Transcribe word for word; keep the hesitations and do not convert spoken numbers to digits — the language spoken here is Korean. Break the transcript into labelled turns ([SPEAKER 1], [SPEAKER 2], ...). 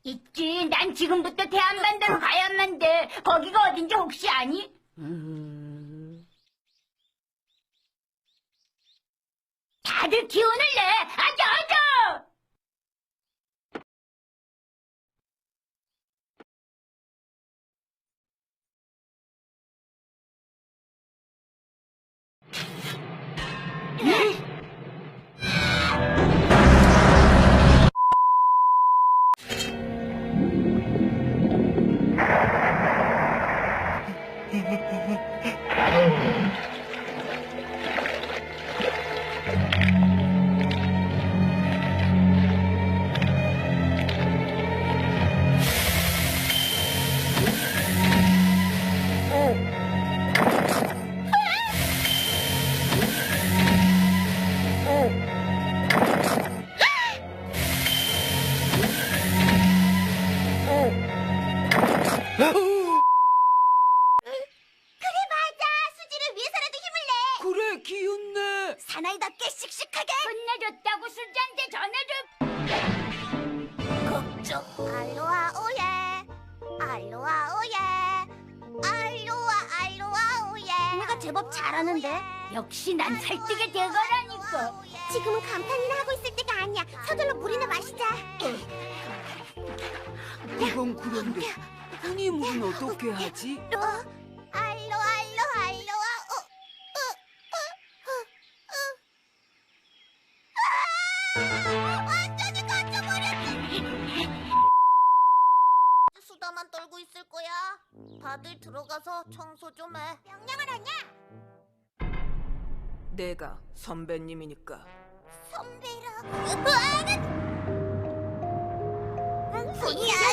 [SPEAKER 1] 있지. 난 지금부터 대한반도로 가야만 돼. 거기가 어딘지 혹시 아니? 음... 다들 기운을 내. 아자 아자.
[SPEAKER 2] 그래 맞아. 수지를 위해서라도 힘을 내.
[SPEAKER 3] 그래, 기운내.
[SPEAKER 2] 사나이답게 씩씩하게.
[SPEAKER 1] 혼내줬다고 수지한테 전해줘.
[SPEAKER 2] 걱정. 알로하 오예. 알로하 오예. 알로하 알로하 오예. 내가 제법 잘하는데.
[SPEAKER 1] 역시 난 설득의 대가라니까.
[SPEAKER 2] 지금은 감탄이나 하고 있을 때가 아니야. 서둘러 물이나 마시자.
[SPEAKER 3] 그건 그런데 흔히 물은 어떻게 하지?
[SPEAKER 2] 어? 알로 알로 알로하 오. 어, 어, 어, 어. 아! 완전히 갇혀버렸어. 수다만 떨고 있을 거야. 다들 들어가서 청소 좀 해. 명령을 하냐?
[SPEAKER 3] 내가 선배님이니까.
[SPEAKER 2] 선배라고. 으아!